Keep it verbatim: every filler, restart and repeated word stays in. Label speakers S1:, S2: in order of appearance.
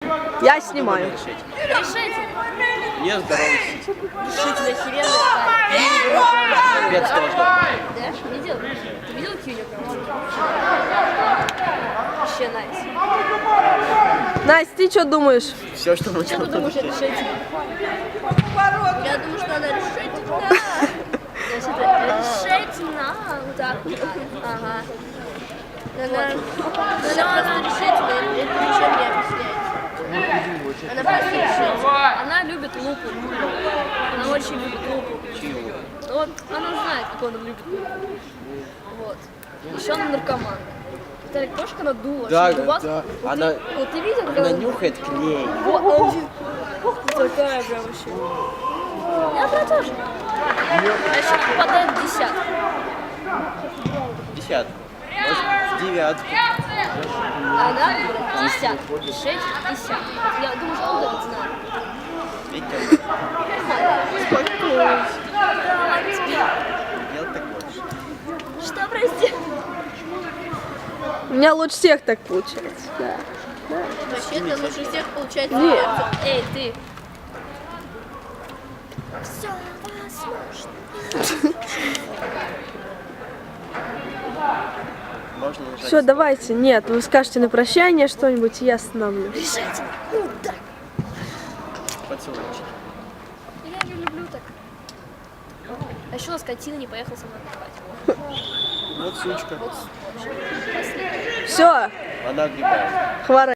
S1: Я снимаю.
S2: Решите.
S3: Не здоровый.
S2: Решите, охеренно.
S3: Без тоже.
S2: Да? Не делай. Ты видел Кьюни? Вообще найс.
S1: Настя, ты что думаешь?
S3: Все, что мы
S2: Что ты думаешь, решить? Я думаю, что надо решить на. Значит, решить на. Вот так вот. Ага. Надо, надо просто решить, это ничем не объясняется. Она просто решить. Она любит лупу. Она очень любит лупу. Ну вот, она знает, как он любит лупу. Вот. Еще она наркоман. Виталик, тоже когда дула?
S3: Да,
S2: у вас,
S3: да.
S2: Вот
S3: Она,
S2: ты, вот ты видел, когда
S3: она
S2: он-
S3: нюхает клей.
S2: Вот, он же- Ух ты такая прям вообще. Я про то же. А еще попадает в десятку.
S3: Десятку. Может, в девятку.
S2: Она говорит десятку. Шесть десятку. Я думаю, что он это знает.
S3: Видите?
S2: Спокойно.
S3: Делать так больше.
S2: Что, прости?
S1: У меня лучше всех так получается. Да.
S2: Вообще-то лучше всех получается.
S1: Нет.
S2: Эй, ты. Все возможно.
S3: Можно нажать.
S1: Все, давайте. Нет, вы скажете на прощание что-нибудь, и я остановлю.
S2: Решайте. Ну да.
S3: Поцелуйчик.
S2: Я же люблю так. А еще у нас скотина не поехал со мной отдыхать.
S3: Вот сучка.
S2: Вот вообще. Последний.
S1: Все,
S3: Она огребает.
S1: хватит.